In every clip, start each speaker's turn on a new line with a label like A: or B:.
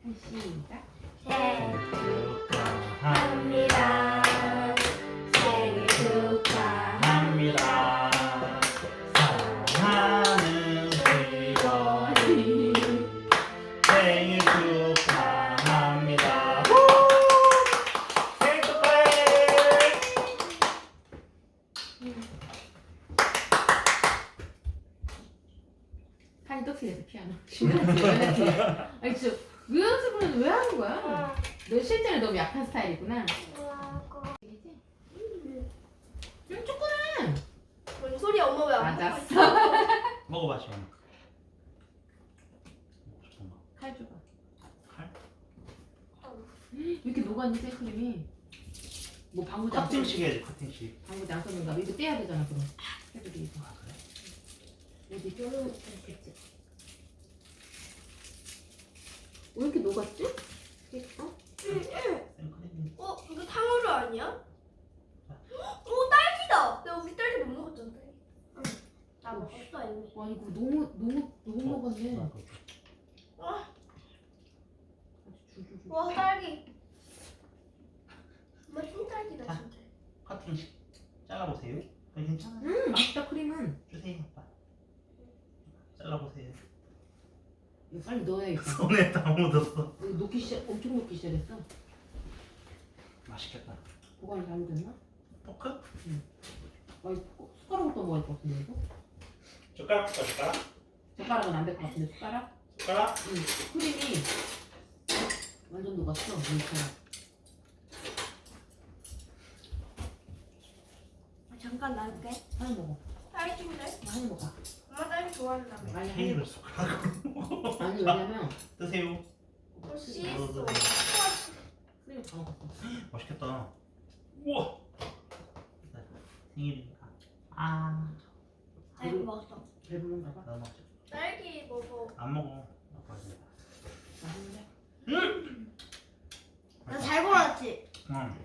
A: 시작.
B: 생일 축하합니다. 생일 축하합니다. 사랑하는 시원이 생일 축하합니다. 생일 축하해.
A: 한이 떡칠해서 피아노. 아니 진짜 왜 연습을 왜 하는 거야? 너 실제로 너무 약한 스타일이구나. 이기지? 조그만.
C: 뭔 소리야 엄마 왜 안 먹고
A: 맞았어.
C: 있어?
B: 먹어봐 시원아. 잠깐만.
A: 칼 줘봐.
B: 칼?
A: 왜 이렇게 녹았니 생크림이? 뭐 방구지 안
B: 커팅식 해야지 커팅식.
A: 방구지 안 썼는가? 이거 떼야 되잖아 그럼. 해도 이거.
B: 아 그래?
A: 여기 쪼르륵 됐지. 왜 이렇게 녹았지? 어?
B: 생크림이.
C: 이거 탕후루 아니야? 오 딸기다. 내가 우리 딸기 못 먹었잖아. 응. 나 먹었어 이미.
A: 와 이거 너무 녹았네.
C: 와,
A: 아주 줄줄줄.
C: 와 딸기. 정말 흰딸기다
B: 자.
C: 진짜.
B: 커팅식 잘라보세요. 괜찮아.
A: 맛있다 크림은.
B: 주세요 아빠. 잘라보세요.
A: 이거 빨리 넣어야겠다.
B: 손에 다 묻었어.
A: 이거 엄청 녹기 시작했어.
B: 맛있겠다.
A: 보관이 잘못됐나?
B: 포크?
A: 아 이거 숟가락으로 떠먹을 것 같은데 이거?
B: 젓가락 볼까 젓가락?
A: 젓가락은 안 될 것 같은데 숟가락?
B: 젓가락?
A: 응. 크림이 완전 녹았어. 물처럼.
C: 잠깐 놔둘게.
A: 하나 먹어.
C: 딸기인데?
A: 하나 먹어.
C: 엄마 딸기 좋아한다며.
A: 아니
B: 케이크를 숟가락으로.
A: 아니 왜냐면
B: 드세요.
C: 씨했어.
A: 크림이 다 먹었어.
B: 맛있겠다. 우와. 생일이니까. 아.
C: 딸기 먹었어.
A: 배부른가 봐.
B: 나 먹자.
C: 딸기 먹어.
B: 안 먹어. 아빠 이제.
A: 맛있는데?
C: 나 잘 골랐지?
B: 응.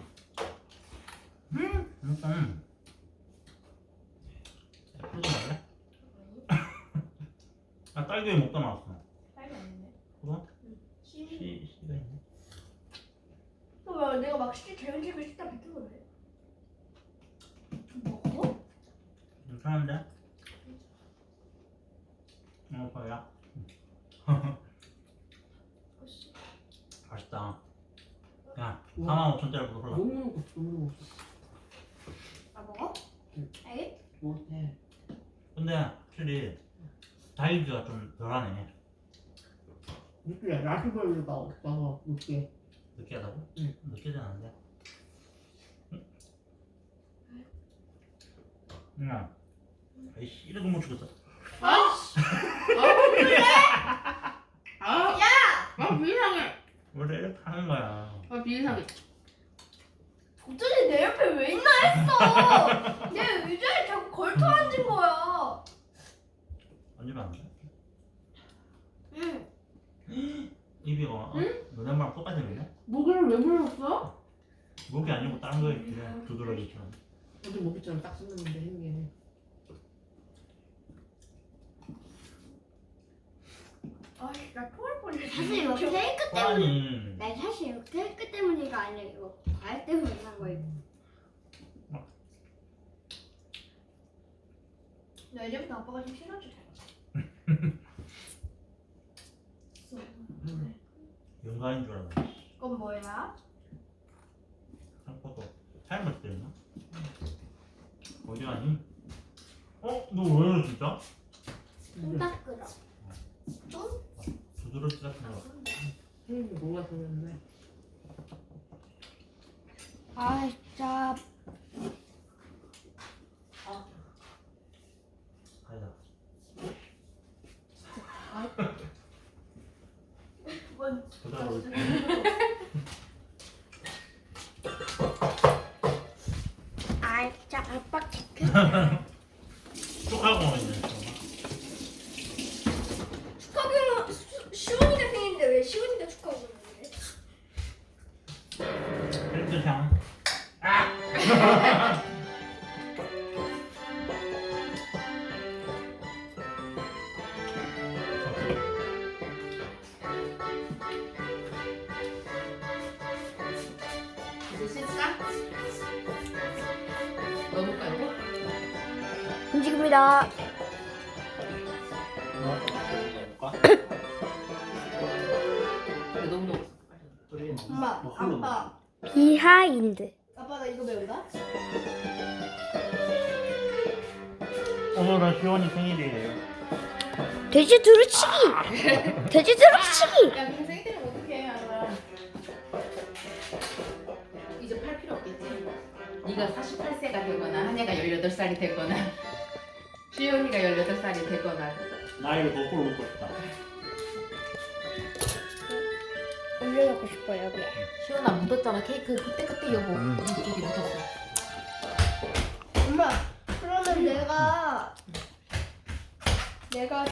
B: 풀지 말래? 아 딸기 왜 먹다 나왔어?
C: 딸기 아닌데?
B: 그거?
C: 씨.
B: 씨가 있네.
C: 왜 내가 막 개운식을 식당 비킨 거래? 좀 먹어?
B: 괜찮은데? 뭐야?
C: 씨.
B: 맛있다. 야,
A: 우와.
B: 45,000원짜리부터 골라.
A: 너무 먹었어. 너무 먹었어.
C: 나 먹어?
A: 응.
C: 딸기?
A: 먹었대.
B: 근데 확실히 달기가 좀 덜하네.
A: 이게 라스베리가 없어서 이렇게.
B: 느끼하다고?
A: 응.
B: 느끼진 않은데. 응. 아이씨, 이래도 못 죽겠어.
C: 아이씨.
A: 아 비상해.
B: 원래 이렇게 하는 거야.
A: 아 비상해.
C: 도전이 내 옆에 왜 있나 했어. 내 의자에 자꾸 걸터 앉은 거야.
B: 앉으면 안 돼?
C: 응.
B: 입이가
A: 응?
B: 너네랑 똑같이 생겼네?
A: 모기를 왜 물었어?
B: 목이 아니고 다른 거 있지. 두드러기처럼.
A: 어제 모기처럼 딱 생겼는데 생기네.
C: 아이, 나 토할 뻔했어.
D: 사실 이거 케이크 때문에
B: 아니.
D: 나 사실 이거 케이크 때문이가 아니라 이거 과일 때문에 한 거예요.
C: 나 이제부터 아빠가 좀 싫어져.
B: 연가인 줄 알았네.
C: 그건 뭐야?
B: 한꺼도 삶을 때렸나? 어디 가니? 너 왜 이래 진짜?
D: 딱 끓어.
C: 좀?
B: 두드러기 같은 거.
A: 뭐가 좋은데?
D: 아 진짜
B: 가자.
C: 뭔?
B: 부담을.
D: 아 진짜 아빠 체크.
B: 쪽하고 있네.
C: 축하기는 시원이가 생일인데 왜 시원이가 축하하고 있는데?
B: 헬스장. 아!
C: 있습니다.
B: 먹을까?
A: 근데 너무 넣었어.
B: 우리
C: 엄마,
B: 뭐 홀로
C: 아빠.
D: 비하인드.
C: 아빠 나 이거 배운다?
B: 오늘은 시원이 생일이에요.
D: 돼지 두루치기. 돼지 두루치기.
A: 야, 근데 생일 때는 어떡해, 하나. 이제 팔 필요 없겠지? 네가 48세가 되거나 한혜가 18살이 되거나 시연이가 18살이 되거나
B: 나이를 거꾸로 먹고 싶다.
D: 올려놓고 싶어요 여기.
A: 시연아 묻었잖아 케이크 그때 여보 이쪽이 묻었어.
C: 엄마, 그러면 내가